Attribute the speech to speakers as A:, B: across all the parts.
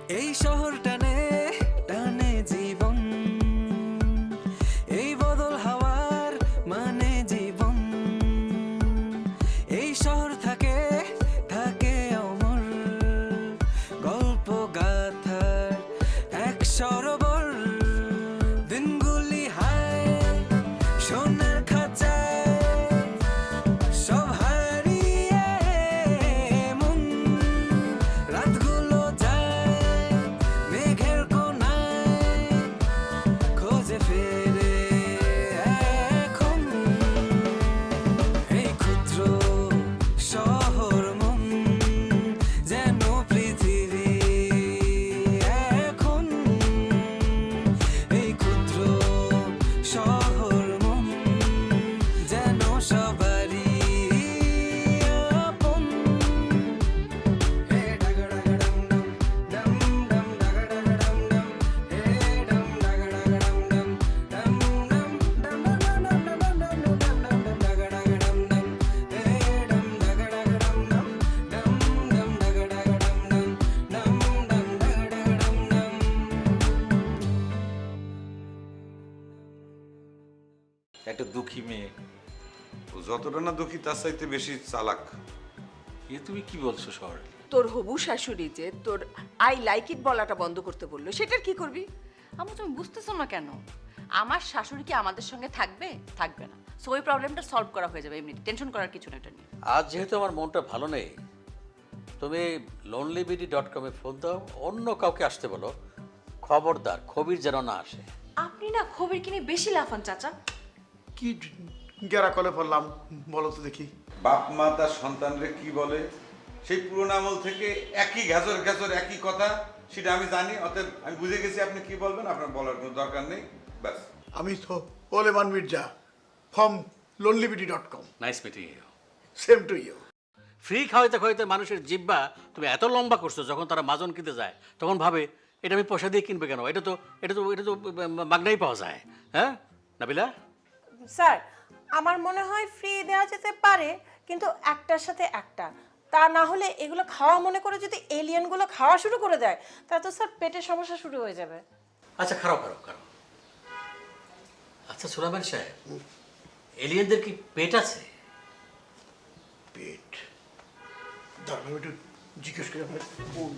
A: এই শহর টানে টানে জীবন, এই বদল হাওয়ার মানে জীবন। এই শহর থাকে থাকে অমর, গল্প গাথার এক সরোবর। দিনগুলি হায় সোনার খাঁচায়, সব হারিয়ে মন। রাতগুলো যায় মেঘের কোনায়, খোঁজে ফেরে এখন। এই ক্ষুদ্র শহর মন যেন পৃথিবী এখন। এই ক্ষুদ্র শহর মন যেন সবারই আপন। হে ডাগডাগডম ডম ডম ডাগডাগডম ডম, হে ডম ডাগডাগডম ডম ডম ডম ডম ডম ডম ডম ডম ডাগডাগডম ডম, হে ডম ডাগডাগডম ডম ডম ডম ডাগডাগডম ডম ডম ডম ডাগডাগডম ডম।
B: একটা দুঃখী মেয়ে, ও যতটা না দুঃখী তার চাইতে বেশি চালাক।
C: এ তুমি কি বলছো শহরে?
D: তোর হবু শাশুড়ি যে তোর আই লাইক ইট বলাটা বন্ধ করতে বললো, সেটার কি করবি?
E: আম্মু তুমি বুঝতেছো না কেন? আমার শাশুড়ি কি আমাদের সঙ্গে থাকবে? থাকবে না। সো ওই প্রবলেমটা সলভ করা হয়ে যাবে এমনি, টেনশন করার কিছু না এটা নিয়ে।
C: আজ যেহেতু আমার মনটা ভালো নেই, তুমি lonelybd.com ফোন দাও, অন্য কাউকে আসতে বলো। খবরদার খবির যেন না আসে।
E: আপনি না খবর কিনে বেশি লাফান চাচা।
F: কি গেরা কলে পড়লাম বলো তো দেখি।
B: বাপ মা তার সন্তানরে কি বলে, সেই পুরোনো আমল থেকে একই ঘ্যাজর ঘ্যাজর একই কথা, সেটা আমি জানি। অতএব আমি বুঝে গেছি আপনি কি বলবেন, আপনার বলার কোনো দরকার নেই। ব্যাস।
F: আমি তো ওলেমান Mirza from lonelybd.com।
C: Nice meeting you.
F: Same to you.
C: Free খাওয়াইতে খাওয়াইতে মানুষের জিব্বা তুমি এত লম্বা করছো, যখন তারা মাজন কিনতে যায় তখন ভাবে এটা আমি পয়সা দিয়ে কিনবে কেন, এটা তো মাগনাই পাওয়া যায়। হ্যাঁ নাবিলা?
G: স্যার আমার মনে হয় ফ্রি দেওয়া যেতে পারে, কিন্তু একটার সাথে একটা। তা না হলে এগুলো খাওয়া মনে করে যদি এলিয়েনগুলো খাওয়া শুরু করে দেয়, তাহলে তো স্যার পেটের সমস্যা শুরু হয়ে যাবে।
C: আচ্ছা খারাপ খারাপ খারাপ। আচ্ছা সুলাইমান সাহেব, এলিয়েনদের কি পেট আছে?
F: পেট দাঁড়ানো একটু জিজ্ঞেস করে আমার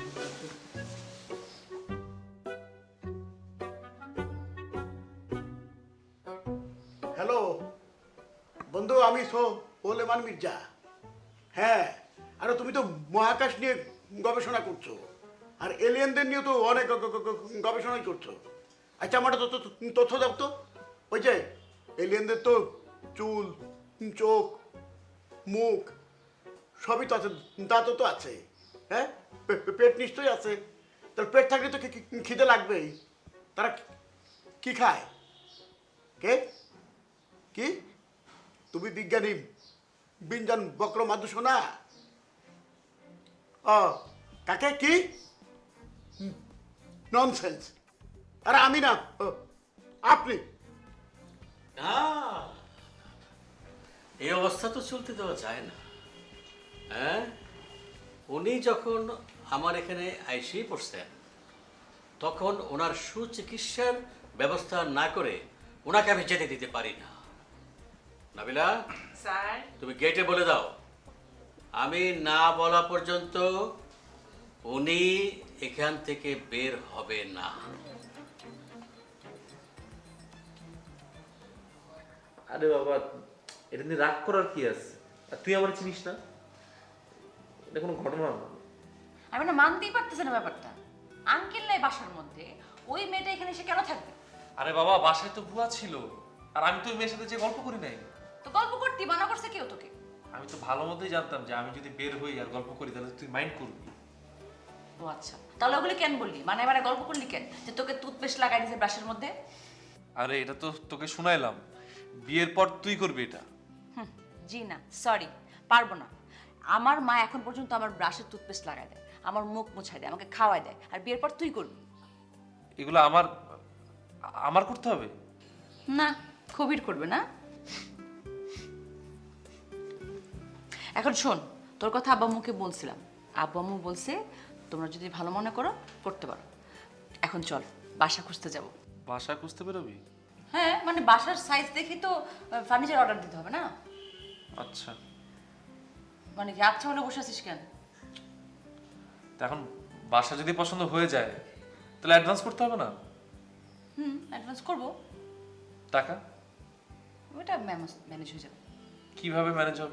F: হ্যালো বন্ধু, আমি তো ওলেমান মির্জা। হ্যাঁ, আরে তুমি তো মহাকাশ নিয়ে গবেষণা করছো, আর এলিয়েনদের নিয়ে তো অনেক গবেষণাই করছো। আচ্ছা আমার তো তথ্য দাও তো। ওই যে এলিয়েনদের তো চুল, চোখ, মুখ সবই তো আছে, দাঁতও তো আছে। হ্যাঁ, পেট নিশ্চয়ই আছে। তার পেট থাকলে তো খিদে লাগবেই। তারা কি খায়? কে কি? তুমি বিজ্ঞানী বিঞ্জান বক্র মাদুসো না? ও কাকে কি ননসেন্স। আরে আমি না, আপনি।
C: না, এই অবস্থা তো চলতে দেওয়া যায় না। হ্যাঁ, উনি যখন আমার এখানে আইসেই পড়ছেন, তখন ওনার সুচিকিৎসার ব্যবস্থা না করে ওনাকে আমি যেতে দিতে পারি না। নাবিলা,
D: স্যার
C: তুমি গেটে বলে দাও, আমি না বলা পর্যন্ত উনি এখান থেকে বের হবে না।
H: আরে বাবা, এটা নিয়ে রাগ করার কি আছে? আর তুই আমার চিনিস না, এটা কোনো ঘটনা না।
E: আমি না মানতেই পারতেছি না ব্যাপারটা। আঙ্কেল নাই বাসার মধ্যে, ওই মেয়েটা এখানে এসে কেন থাকবে?
H: আরে বাবা, বাসায় তো ভুয়া ছিল, আর আমি তো ওই মেয়ের সাথে যে গল্প করি নাই।
E: তো গল্প করতে মানা করছে কেউ তোকে?
H: আমি তো ভালো মতোই জানতাম যে আমি যদি বের হই আর গল্প করি তাহলে তুই মাইন্ড করবি।
E: ও আচ্ছা, তাহলে ওগুলি কেন বললি? মানে এবারে গল্প করলি কেন যে তোকে টুথপেস্ট লাগাই দিয়েছে ব্রাশের মধ্যে?
H: আরে এটা তো তোকে শুনাইলাম, বিয়ের পর তুই করবি এটা।
E: জি না, সরি, পারবো না। আমার মা এখন পর্যন্ত আমার ব্রাশের টুথপেস্ট লাগাই দেয়, আমার মুখ মুছাই দেয়, আমাকে খাওয়াই দেয়, আর বিয়ের পর তুই করবি?
H: এগুলো আমার আমার করতে হবে
E: না? খবির করবে না? এখন শোন, তোর কথা আব্বা আম্মুকে বলছিলাম, আব্বু আম্মু বলছে তোমরা যদি ভালো মনে করো করতে পারো। এখন চল বাসা খুঁজতে যাব।
H: বাসা খুঁজতে বেরোবি?
E: হ্যাঁ মানে বাসার সাইজ দেখি তো ফার্নিচার অর্ডার দিতে হবে না?
H: আচ্ছা,
E: মানে কি আচ্ছা বলে বসে আছিস কেন?
H: তা এখন বাসা যদি পছন্দ হয়ে যায় তাহলে অ্যাডভান্স করতে হবে না?
E: অ্যাডভান্স করবো,
H: টাকা
E: ওটা ম্যানেজ হয়ে যাবে।
H: কিভাবে ম্যানেজ হবে?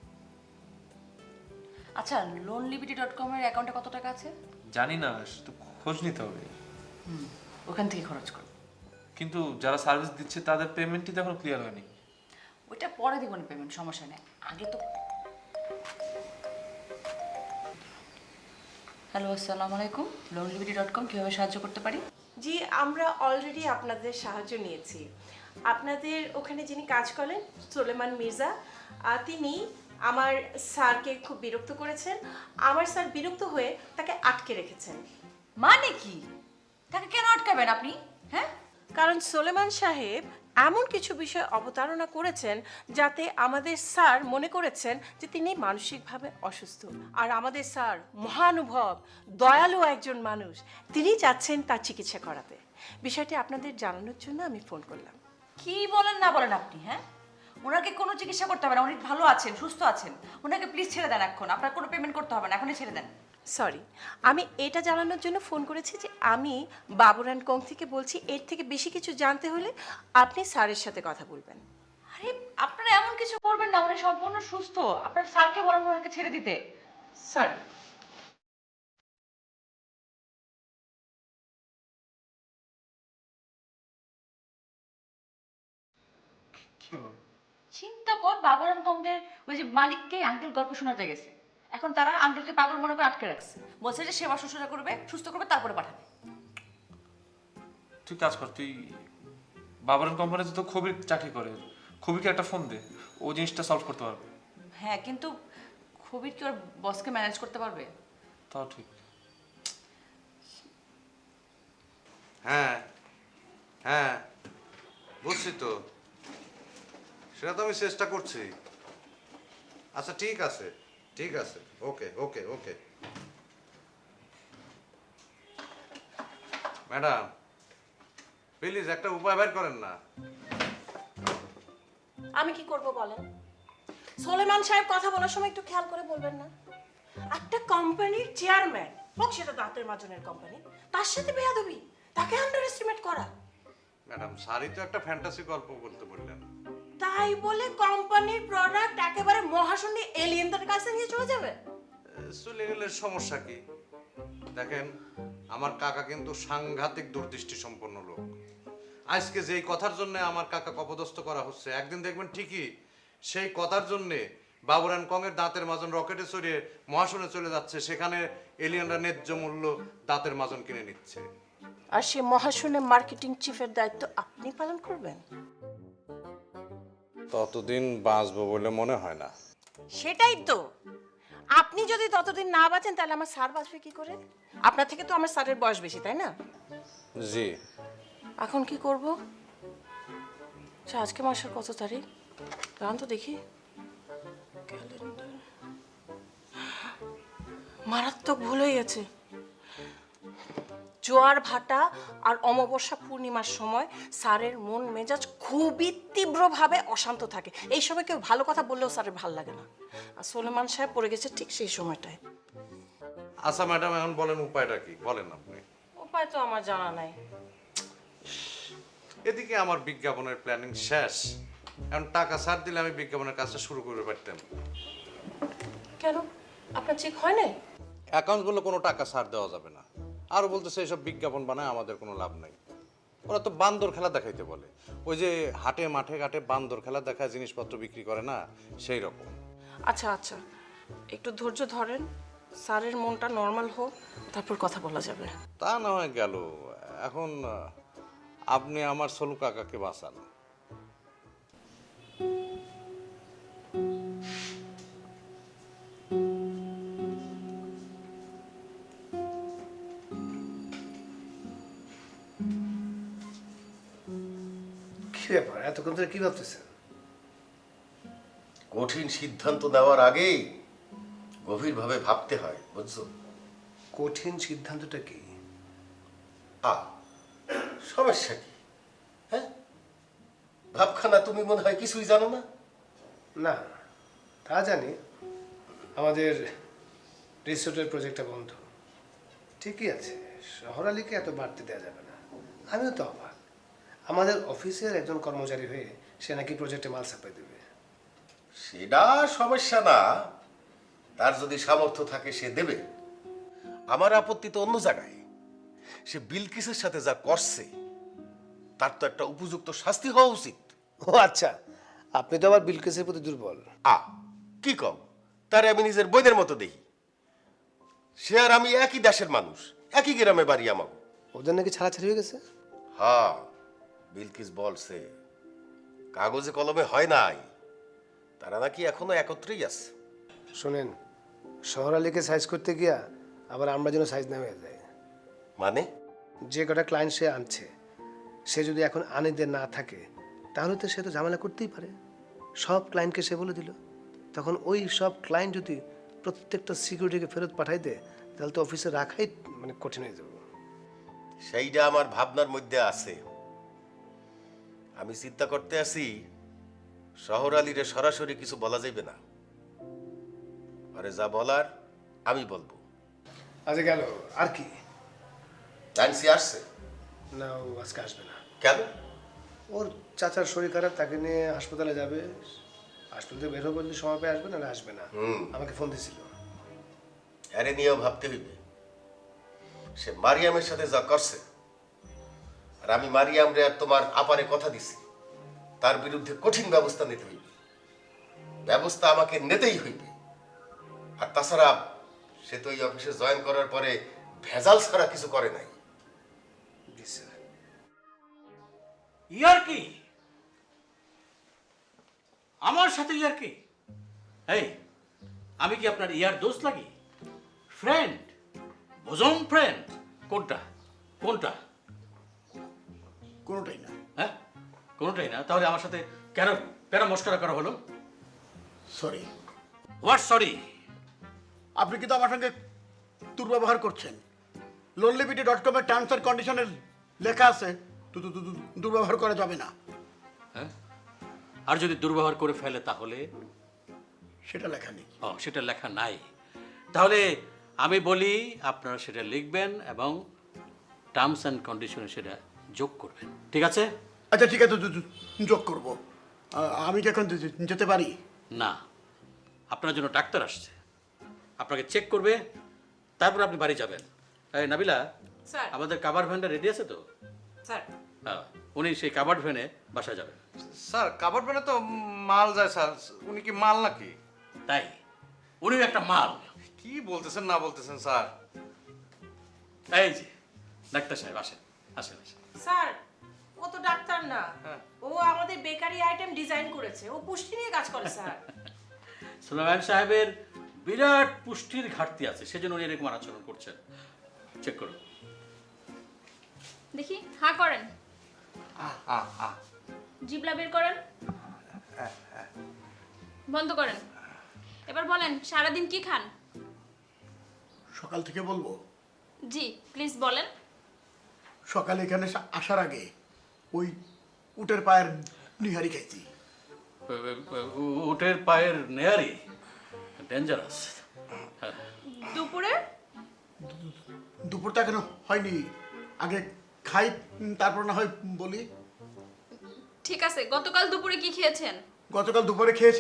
E: আচ্ছা loanliberty.com এর অ্যাকাউন্টে কত টাকা আছে?
H: জানি না, তো খোঁজ নিতে হবে।
E: ওখান থেকে খরচ করো।
H: কিন্তু যারা সার্ভিস দিচ্ছে তাদের পেমেন্টই তো এখনো ক্লিয়ার হয়নি।
E: ওইটা পরে দিব না পেমেন্ট, সমস্যা নেই, আগে তো। হ্যালো, আসসালামু আলাইকুম। loanliberty.com কিভাবে সাহায্য করতে পারি?
G: জি, আমরা অলরেডি আপনাদের সাহায্য নিয়েছি। আপনাদের ওখানে যিনি কাজ করেন সোলেমান মির্জা, তিনি আমার স্যারকে খুব বিরক্ত করেছেন। আমার স্যার বিরক্ত হয়ে তাকে আটকে রেখেছেন।
E: মানে কি? তাকে কেন আটকাবেন আপনি? হ্যাঁ,
G: কারণ সোলেমান সাহেব এমন কিছু বিষয় অবতারণা করেছেন যাতে আমাদের স্যার মনে করেছেন যে তিনি মানসিকভাবে অসুস্থ। আর আমাদের স্যার মহানুভব, দয়ালু একজন মানুষ, তিনি চাচ্ছেন তার চিকিৎসা করাতে। বিষয়টি আপনাদের জানানোর জন্য আমি ফোন করলাম।
E: কি বলেন না বলেন আপনি? হ্যাঁ, ওনাকে কোনো চিকিৎসা করতে হবে না, উনি ভালো আছেন, সুস্থ আছেন। ওনাকে প্লিজ ছেড়ে দেন এখন, আপনার কোনো পেমেন্ট করতে হবে না, এখনই ছেড়ে দেন।
G: সরি, আমি এটা জানানোর জন্য ফোন করেছি যে আমি বাবুর অ্যান্ড কোং থেকে বলছি। এর থেকে বেশি কিছু জানতে হলে আপনি স্যারের সাথে কথা বলবেন।
E: আরে আপনারা এমন কিছু করবেন না, উনি সম্পূর্ণ সুস্থ। আপনার স্যারকে বলেন ওনাকে ছেড়ে দিতে।
G: স্যার,
E: চিন্তা কর, বাবুরাম কংদের ওই যে মালিককে আঙ্কেল গল্প শোনাতে গেছে, এখন তারা আঙ্কেলকে পাগল মনে করে আটকে রাখছে। বলছে যে সেবা শুশ্রূষা করবে, সুস্থ করবে, তারপরে পাঠাবে।
H: তুই কাজ কর, তুই বাবার কোম্পানিতে তো খুবই চাকরি করে, খুবইকে একটা ফোন দে, ও জিনিসটা সলভ করতে পারবে।
E: হ্যাঁ, কিন্তু খুবই কি ওর বসকে ম্যানেজ করতে পারবে?
H: তাও ঠিক।
B: হ্যাঁ হ্যাঁ, বুঝছি তো, সেটা তো আমি চেষ্টা করছি। আচ্ছা ঠিক আছে, ঠিক আছে, ওকে ওকে ওকে। ম্যাডাম প্লিজ একটা উপায় বের করেন না।
G: আমি কি করব বলেন? সোলেমান সাহেব কথা বলার সময় একটু খেয়াল করে বলবেন না? একটা কোম্পানির চেয়ারম্যান হোক, সেটা দাঁতের মাজনের কোম্পানি, তার সাথে বেয়াদবি, তাকে আন্ডার এস্টিমেট করা।
B: ম্যাডাম সারি তো একটা ফ্যান্টাসি গল্প বলতে বললেন,
G: তাই বলে কোম্পানির প্রোডাক্ট একেবারে মহাশূন্যে এলিয়েনদের কাছে নিয়ে চলে যাবে?
B: চলে গেলে সমস্যা কি? দেখেন আমার কাকা কিন্তু সাংঘাতিক দূরদৃষ্টি সম্পন্ন লোক। আজকে যেই কথার জন্য আমার কাকা অপদস্থ করা হচ্ছে, একদিন দেখবেন ঠিকই সেই কথার জন্য বাবুর অ্যান্ড কং এর দাঁতের মাজন রকেটে চড়িয়ে মহাশূন্যে চলে যাচ্ছে, সেখানে এলিয়েনরা ন্যায্য মূল্য দাঁতের মাজন কিনে নিচ্ছে।
G: আর সে মহাশূন্যে মার্কেটিং চিফের দায়িত্ব আপনি পালন করবেন?
B: ততদিন বাঁচবো বলে মনে হয় না।
G: সেটাই তো, আপনি যদি ততদিন না বাঁচেন তাহলে আমার স্যার বাঁচবে কি করে? আপনার থেকে তো আমার স্যারের বয়স বেশি, তাই না?
B: জি।
G: এখন কি করব? আচ্ছা, আজকে মাসের কত তারিখ? জান তো দেখি ক্যালেন্ডার। মারাত্মক ভুল হয়ে গেছে। জোয়ার ভাটা আর অমাবস্যা পূর্ণিমার সময় স্যারের মন মেজাজ খুবই তীব্রভাবে অশান্ত থাকে। এই সময় কেউ ভালো কথা বললেও স্যারের ভাল লাগে না। আর সোলেমান সাহেব পড়ে গেছে ঠিক সেই সময়টায়।
B: আচ্ছা ম্যাডাম, এখন বলেন উপায়টা কি, বলেন আপনি।
G: উপায় তো আমার জানা নাই।
B: এদিকে আমার বিজ্ঞাপনের প্ল্যানিং শেষ, এখন টাকা ছাড় দিলে আমি বিজ্ঞাপনের কাজটা শুরু করতে পারতাম।
G: কেন, আপনার চেক হয় নাই?
B: অ্যাকাউন্টগুলো কোনো টাকা ছাড় দেওয়া যাবে না। আর বলতেছে এইসব বিজ্ঞাপন বানায় আমাদের কোনো লাভ নাই। ওরা তো বান্দর খেলা দেখাইতে বলে, ওই যে হাটে মাঠে ঘাটে বান্দর খেলা দেখায় জিনিসপত্র বিক্রি করে না, সেই রকম।
G: আচ্ছা আচ্ছা, একটু ধৈর্য ধরেন, স্যারের মনটা নর্মাল হোক, তারপর কথা বলা যাবে।
B: তা না হয় গেল, এখন আপনি আমার সলু কাকাকে বাঁচান।
I: কি ব্যাপার, এতক্ষণ ধরে কি ভাবতেছেন? কঠিন সিদ্ধান্ত নেওয়ার আগেই গভীরভাবে ভাবতে হয়, বুঝছো? কঠিন সিদ্ধান্তটা কি?
J: সমস্যা কি? হ্যাঁ, ভাবখানা তুমি মনে হয় কিছুই জানো না।
I: না, তা জানি। আমাদের রিসোর্টের প্রজেক্টটা বন্ধ। ঠিকই আছে, শহর আলীকে এত বাড়তে দেওয়া যাবে না। আমিও তো অবাক, আমাদের অফিসের একজন কর্মচারী হয়ে সে নাকি প্রজেক্টে মাল সাপ্লাই দেবে।
J: সেটা সমস্যা না, তার যদি সামর্থ্য থাকে সে দেবে। আমার আপত্তি তো অন্য জায়গায়। সে বিলকিসের সাথে যা করছে তার তো একটা উপযুক্ত শাস্তি হওয়া উচিত।
I: ও আচ্ছা, আপনি তো আবার বিলকিসের প্রতি দুর্বল।
J: কি কম, তারে আমি নিজের বইদের মতো দেখি। সে আর আমি একই দেশের মানুষ, একই গ্রামে বাড়ি আমার।
I: ওদের নাকি ছাড়াছাড়ি হয়ে গেছে?
J: হ্যাঁ, বিলকিস বলছে কাগজে কলমে হয় নাই, তারা নাকি এখনো একত্রেই আছে।
I: শোনেন, শহর আলীকে সাইজ করতে গিয়া আবার আমরা যেন সাইজ না হয়ে যায়।
J: মানে?
I: যে কটা ক্লায়েন্ট সে আনছে, সে যদি এখন আনিতে না থাকে তাহলে তো সে তো ঝামেলা করতেই পারে। সব ক্লায়েন্টকে সে বলে দিল, তখন ওই সব ক্লায়েন্ট যদি প্রত্যেকটা সিকিউরিটিকে ফেরত পাঠাই দেয় তাহলে তো অফিসে রাখাই মানে কঠিন হয়ে যাবে।
J: সেইটা আমার ভাবনার মধ্যে আছে। আমি চিন্তা করতে আছি শহর আলীরে সরাসরি কিছু বলা যাইবে না, আরে যা বলার আমি বলবো।
I: আজ গেল আর কি?
J: জানসি আসছে
I: না, ও আজকে আসবে না।
J: কেন?
I: ওর চাচার শরীর খারাপ, তাকে নিয়ে হাসপাতালে যাবে। হাসপাতাল থেকে বের হবে বললে সময় পেয়ে আসবে, না আসবে না। আমাকে ফোন দিয়েছিল।
J: আরে নিয়েও ভাবতে হইবে। সে মারিয়ামের সাথে যা করছে, আর আমি মারিয়ামরে আর তোমার আপারে কথা দিছি তার বিরুদ্ধে কঠিন ব্যবস্থা নিতে হইবে। ব্যবস্থা আমাকে নিতেই হইবে। আর তাছাড়া সে তো এই অফিসে জয়েন করার পরে ভেজাল ছাড়া কিছু করে নাই।
C: ইয়ার কি? আমার সাথে ইয়ার কি? এই, আমি কি আপনার ইয়ার দোস্ত লাগি? ফ্রেন্ড, বোজন ফ্রেন্ড? কোনটা কোনটা?
F: কোনোটাই না।
C: হ্যাঁ, কোনটাই না? তাহলে আমার সাথে কেন কেন মস্করা করা হলো?
F: সরি।
C: What sorry?
F: আপনি কিন্তু আমার সঙ্গে দুর্ব্যবহার করছেন। lonelyBD.com-এর টার্মস অ্যান্ড কন্ডিশনে লেখা আছে দুর্ব্যবহার করা যাবে না।
C: হ্যাঁ, আর যদি দুর্ব্যবহার করে ফেলে তাহলে?
F: সেটা লেখা নেই।
C: সেটা লেখা নাই। তাহলে আমি বলি আপনারা সেটা লিখবেন এবং টার্মস অ্যান্ড কন্ডিশনে সেটা যোগ করবেন, ঠিক আছে?
F: আচ্ছা ঠিক আছে, যোগ করব। আমি কি এখন যেতে পারি?
C: না, আপনার জন্য ডাক্তার আসছে, আপনাকে চেক করবে, তারপর আপনি বাড়ি যাবেন। এই নাবিলা,
G: স্যার।
C: আমাদের কাভার ভ্যানটা রেডি আছে তো?
G: স্যার,
C: হ্যাঁ, উনি সেই কাভার্ড ভ্যানে বাসায় যাবেন।
B: স্যার কাবাড ভ্যানে তো মাল যায় স্যার, উনি কি মাল নাকি?
C: তাই উনিও একটা মাল।
B: কি বলতেছেন না বলতেছেন স্যার?
C: এই যে ডাক্তার সাহেব, আসেন আসেন আসেন।
G: স্যার, ও তো ডাক্তার না, ও আমাদের বেকারি আইটেম ডিজাইন করেছে, ও পুষ্টি নিয়ে কাজ করে স্যার।
C: সুলাইমান সাহেবের বিরাট পুষ্টির ঘাটতি আছে, সেজন্য উনি এরকম আচরণ করছেন। চেক করুন।
K: দেখি, হা করেন, জিবলা বের করেন, বন্ধ করেন। এবার বলেন, সারাদিন কি খান?
F: সকাল থেকে বলবো?
K: জি প্লিজ বলেন।
F: সকালে এখানে আসার আগে ওই উটের পায়ের নিহারি খাইছি।
C: উটের পায়ের নেয়ারি ডেঞ্জারাস।
K: দুপুরে?
F: দুপুরটা কেন হয়নি, আগে খাই তারপর না হয় বলি।
K: ঠিক আছে, গতকাল দুপুরে কি খেয়েছেন?
F: গতকাল দুপুরে খেয়েছি।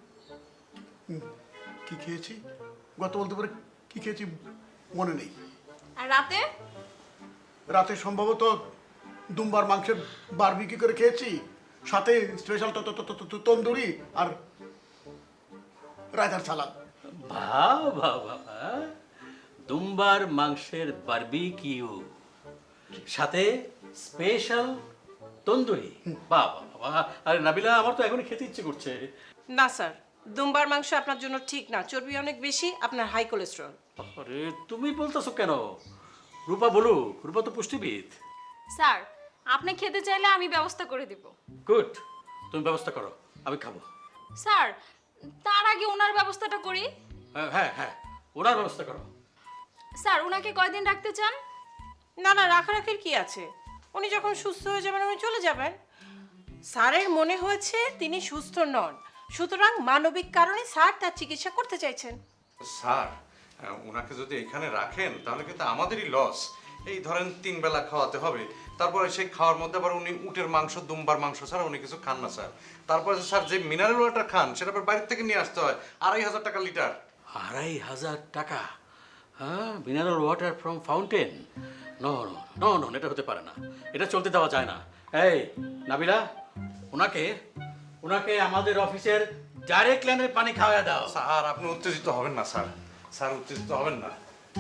F: কি খেয়েছি? গতকাল দুপুরে কি খেয়েছি মনে নেই।
K: আর রাতে?
F: রাতে সম্ভবত দুম্বার মাংসের বারবিকি করে খেয়েছি, সাথে স্পেশাল তন্দুরি আর রায়তার সালাদ।
C: বাবা বাবা, দুম্বার মাংসের বারবিকিউ সাথে স্পেশাল তন্দুরি, বাবা বাবা। আরে নাবিলা, আমার তো এখনই খেতে ইচ্ছে করছে।
G: না স্যার, দুম্বার মাংস আপনার জন্য ঠিক না, চর্বি অনেক বেশি, আপনার হাই কোলেস্টেরল।
C: আরে তুমি বলতেছো কেন? রূপা বলুক, রূপা তো পুষ্টিবিদ।
K: স্যার, আপনি খেতে চাইলে আমি ব্যবস্থা করে দিব।
C: গুড, তুমি ব্যবস্থা করো, আমি খাবো।
K: স্যার, তার আগে ওনার ব্যবস্থাটা করি।
C: হ্যাঁ হ্যাঁ, ওনার ব্যবস্থা করো।
K: স্যার ওনাকে কয়দিন রাখতে চান?
G: না না, রাখারাখির কি আছে? উনি যখন সুস্থ হয়ে যাবেন উনি চলে যাবেন। স্যারের মনে হয়েছে তিনি সুস্থ নন, সুতরাং মানবিক কারণে স্যার তার চিকিৎসা করতে চাইছেন।
B: স্যার ওনাকে যদি এখানে রাখেন তাহলে কিন্তু আমাদেরই লস। এই ধরেন 3 বেলা খাওয়াতে হবে, তারপরে সেই খাওয়ার মধ্যে আবার উনি উটের মাংস, দুম্বার মাংস ছাড়া উনি কিছু খান না স্যার। তারপরে স্যার যে মিনারেল ওয়াটার খান সেটা আবার বাইরে থেকে নিয়ে আসতে হয় 2500 টাকা লিটার।
C: 2500 টাকা? হ্যাঁ, mineral water from fountain? No no no no, এটা হতে পারে না, এটা চলতে দেওয়া যায় না। এই নাবিলা, ওনাকে ওনাকে আমাদের অফিসের ডাইরেক্ট লাইনের পানি খাওয়া দাও।
B: স্যার আপনি উত্তেজিত হবেন না স্যার, স্যার উত্তেজিত হবেন না।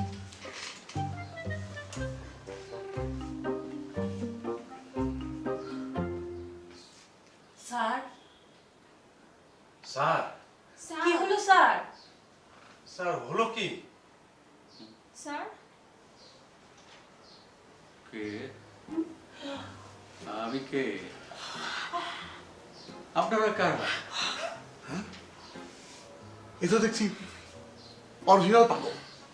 E: স্যার,
B: স্যার
E: কি হলো স্যার?
B: স্যার হলো কি?
K: স্যার
C: কে? আমি কে? আপনারা কারা?
F: এ তো দেখছি অরিজিনাল পাগল।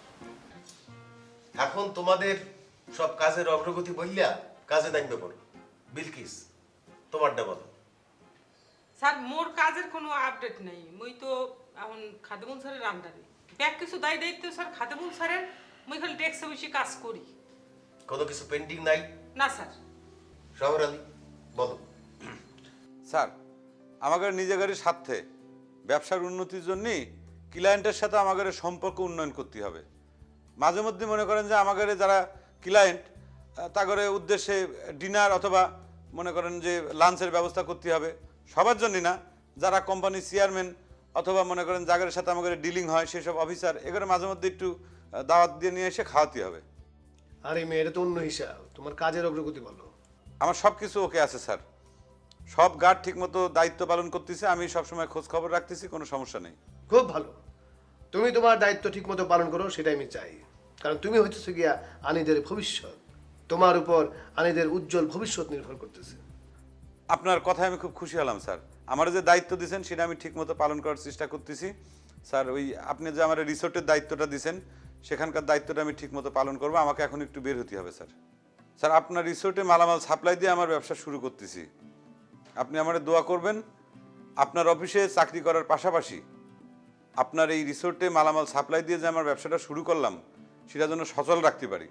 J: এখন তোমাদের সব কাজের অগ্রগতি বললা কাজে নামবে পড়ো। বিলকিস, তোমারটা বলো।
L: স্যার মোর কাজের কোনো আপডেট নেই, মুই তো এখন খাদেমুল স্যারের আন্ডারে ব্যাক কিছু দায়িত্ব স্যার খাদেমুল স্যারের, মুই খালি ডেস্কে বসে কাজ করি।
J: কোনো কিছু পেন্ডিং নাই?
L: না স্যার।
J: শহর আলী বলো।
M: স্যার আমাদের নিজেদের স্বার্থে ব্যবসার উন্নতির জন্য ক্লায়েন্টের সাথে আমাদের সম্পর্ক উন্নয়ন করতে হবে। মাঝে মধ্যে মনে করেন যে আমাদের যারা ক্লায়েন্ট তাদের উদ্দেশ্যে ডিনার অথবা মনে করেন যে লাঞ্চের ব্যবস্থা করতে হবে, সবার জন্য না, যারা কোম্পানির চেয়ারম্যান অথবা মনে করেন যাদের সাথে আমাদের ডিলিং হয় সেসব অফিসার, এগুলো মাঝে মধ্যে একটু দাওয়াত দিয়ে নিয়ে এসে খাওয়াতে হবে।
I: আরে মেয়ে, এটা তো অন্য হিসাব। তোমার কাজের অগ্রগতি বলো।
M: আমার সব কিছু ওকে আছে স্যার, সব গার্ড ঠিকমতো দায়িত্ব পালন করতেছে, আমি সবসময় খোঁজ খবর রাখতেছি, কোনো সমস্যা নেই।
I: খুব ভালো, তুমি তোমার দায়িত্ব ঠিকমতো পালন করো, সেটাই আমি চাই। কারণ তুমি হইতেছো গিয়া আনিদের ভবিষ্যৎ, তোমার উপর আনিদের উজ্জ্বল ভবিষ্যৎ নির্ভর করতেছে।
M: আপনার কথায় আমি খুব খুশি হলাম স্যার। আমার যে দায়িত্ব দিয়েছেন সেটা আমি ঠিকমতো পালন করার চেষ্টা করতেছি স্যার। ওই আপনি যে আমার রিসোর্টের দায়িত্বটা দিয়েছেন সেখানকার দায়িত্বটা আমি ঠিকমতো পালন করবো। আমাকে এখন একটু বের হতে হবে স্যার। স্যার আপনার রিসোর্টে মালামাল সাপ্লাই দিয়ে আমার ব্যবসা শুরু করতেছি, আপনি আমার দোয়া করবেন। আপনার অফিসে চাকরি করার পাশাপাশি আপনার এই রিসোর্টে মালামাল সাপ্লাই দিয়ে যে আমার ব্যবসাটা শুরু করলাম সেটা যেন সচল রাখতে পারি।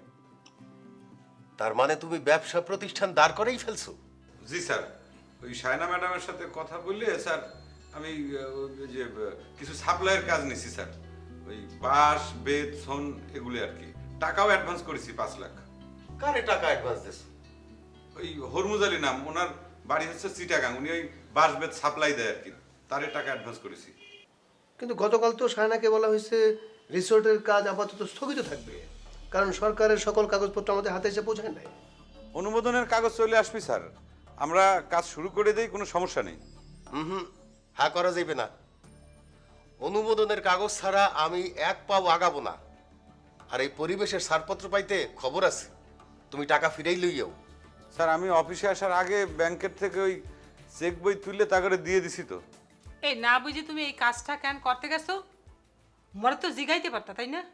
J: তার মানে তুমি ব্যবসা প্রতিষ্ঠান দাঁড় করেই ফেলছো?
M: জি স্যার, ওই সায়না ম্যাডামের সাথে কথা বললে স্যার আমি যে কিছু সাপ্লাইয়ের কাজ নিছি স্যার, ওই বাঁশ, বেত, সন এগুলি আর কি। টাকাও অ্যাডভান্স করেছি 5 লাখ।
J: কারে টাকা অ্যাডভান্স দিছো?
M: ওই হরমুজ আলী নাম, ওনার বাড়ি হচ্ছে চিটাগাং, উনি ওই বাঁশ বেত সাপ্লাই দেয় আর কি, তারে টাকা অ্যাডভান্স করেছি।
I: কিন্তু গতকাল তো সায়নাকে বলা হয়েছে রিসোর্টের কাজ আপাতত স্থগিত থাকবে, কারণ সরকারের সকল কাগজপত্র আমাদের হাতে এসে পৌঁছায় নাই।
M: অনুমোদনের কাগজ চলে আসবে স্যার, আমরা কাজ শুরু করে দেই, কোনো সমস্যা নেই।
J: হ্যাঁ করা যাবে না। অনুমোদনের কাগজ ছাড়া আমি এক পাও আগাবো না। আর এই পরিবেশের ছাড়পত্র পাইতে খবর আছে, তুমি টাকা ফিরেই লইও।
M: স্যার আমি অফিসে আসার আগে ব্যাংকের থেকে ওই চেক বই তুললে তা করে দিয়ে দিছি তো।
L: এই না বুঝি তুমি এই কাজটা কেন করতে গেছো? মরে তো জিগাইতে পারতা, তাই না?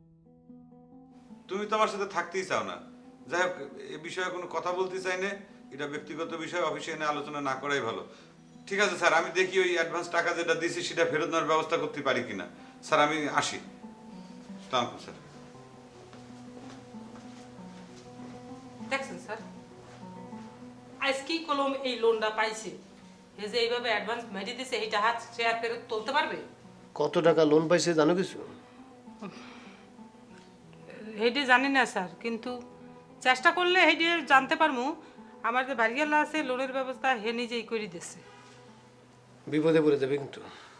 M: তুমি তো আমার সাথে থাকতেই চাও না। যাই হোক, এ বিষয়ে কোনো কথা বলতে চাই না, এটা ব্যক্তিগত বিষয়, অফিসে এনে আলোচনা না করাই ভালো। ঠিক আছে স্যার, আমি দেখি ওই অ্যাডভান্স টাকা যেটা দিয়েছি সেটা ফেরত নেওয়ার ব্যবস্থা করতে পারি কিনা। স্যার আমি আসি। আসসালামু আলাইকুম স্যার।
L: দেখছেন স্যার, আজকেই কলম এই লোনটা পাইছে, এই যে এইভাবে অ্যাডভান্স মেরে দিছে, এইটা হাত সে আর ফেরত তুলতে পারবে?
I: কত টাকা লোন পাইছে জানো কিছু?
L: হেডে জানি না স্যার, কিন্তু চেষ্টা করলে হেডে জানতে পারবো। আমার যে বাড়িওয়ালা আছে লোনের ব্যবস্থা হে নিজেই করে দিচ্ছে।
I: বিপদে পড়ে যাবে কিন্তু।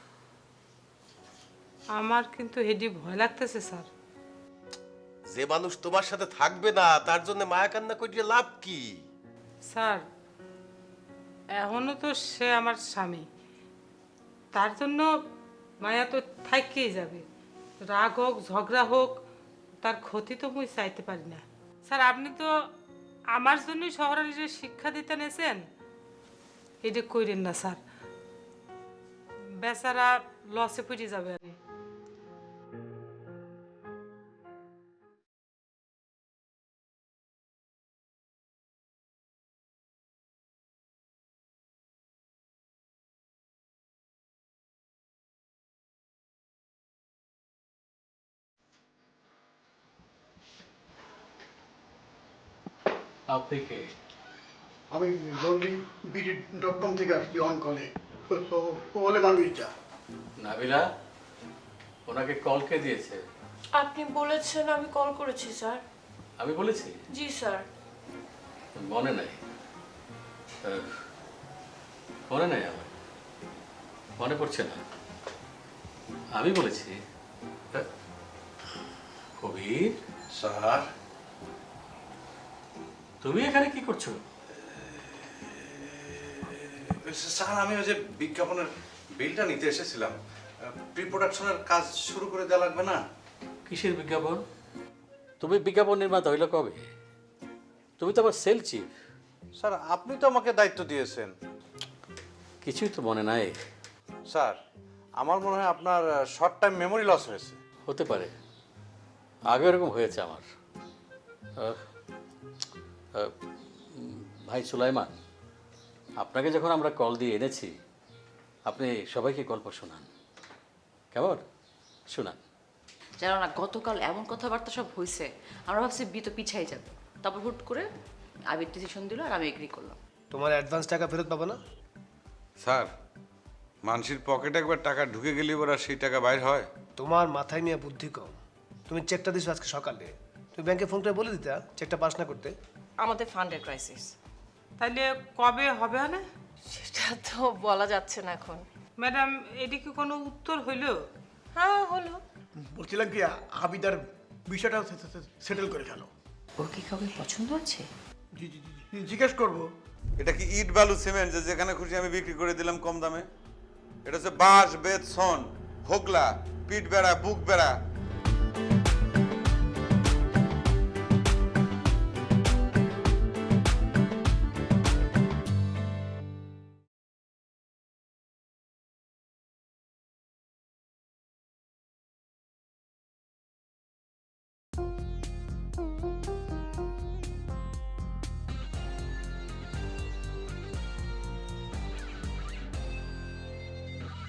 L: আমার কিন্তু হেডি ভয় লাগতেছে স্যার।
J: যে মানুষ তোমার সাথে থাকবে না তার জন্য মায়া কান্না করিয়ে লাভ কি?
L: স্যার এখনো তো সে আমার স্বামী, তার জন্য মায়া তো থাইকেই যাবে। রাগ হোক ঝগড়া হোক, তার ক্ষতি তো মুই চাইতে পারি না। স্যার আপনি তো আমার জন্যই শহরের যে শিক্ষা দিতে নেছেন, এটা কইরেন না স্যার, বেচারা লসে পড়ে যাবে।
C: আপনি কে?
F: আমি rolling.com থেকে আসছি অন কলে ওলেমান মির্জা।
C: নাবিলা, ওনাকে কল কে দিয়েছে?
G: আপনি বলেছেন আমি কল করেছি স্যার।
C: আমি বলেছি?
G: জি স্যার।
C: মনে নাই। মনে নাই আমার, মনে পড়ছে না। আমি বলেছি? কবির
B: স্যার,
C: তুমি এখানে কি করছো?
B: স্যার আমি ওই যে বিজ্ঞাপনের বিলটা নিতে এসেছিলাম। প্রি প্রোডাকশনের কাজ শুরু করে দেওয়া লাগবে না?
C: কিসের বিজ্ঞাপন? তুমি বিজ্ঞাপন নির্মাতা হইলে কবে? তুমি তো আমার সেল চিফ।
B: স্যার আপনি তো আমাকে দায়িত্ব দিয়েছেন।
C: কিছুই তো মনে নাই।
B: স্যার আমার মনে হয় আপনার শর্ট টাইম মেমোরি লস হয়েছে।
C: হতে পারে, আগে এরকম হয়েছে আমার। ভাই সুলাইমান, আপনাকে যখন আমরা কল দিয়ে এনেছি, আপনি সবাইকে গল্প শোনান, কেমন? শোনান।
E: জানো না, গতকাল এমন কথাবার্তা সব হয়েছে, আমরা ভাবছি বিয়ে তো পিছাই যাবে। তারপর হুট করে আবির ডিসিশন দিল আর আমি এগ্রি করলাম।
I: তোমার অ্যাডভান্স টাকা ফেরত পাবো না?
M: স্যার, মানুষের পকেটে একবার টাকা ঢুকে গেলে ওরা সেই টাকা বাইর হয়?
I: তোমার মাথায় নিয়ে বুদ্ধি কম। তুমি চেকটা দিছো আজকে সকালে, তুমি ব্যাংকে ফোন করে বলে দিতা চেকটা পাস না করতে।
G: আমাদের ফান্ডের ক্রাইসিস।
L: তাইলে কবে হবে না?
G: সেটা তো বলা যাচ্ছে না এখন।
L: ম্যাডাম, এটি কি কোনো উত্তর হইল?
G: হ্যাঁ হলো।
F: বলছিলাম কি আবিদার বিষয়টা সেটেল করে ফেলো।
E: ওর কি কাউকে পছন্দ আছে?
F: জিজ্ঞেস করবো।
M: এটা কি ইট বালু সিমেন্ট যে যেখানে খুশি আমি বিক্রি করে দিলাম কম দামে? এটা হচ্ছে বাঁশ, বেত, সন, হোগলা, পিঠ বেড়া, বুক বেড়া।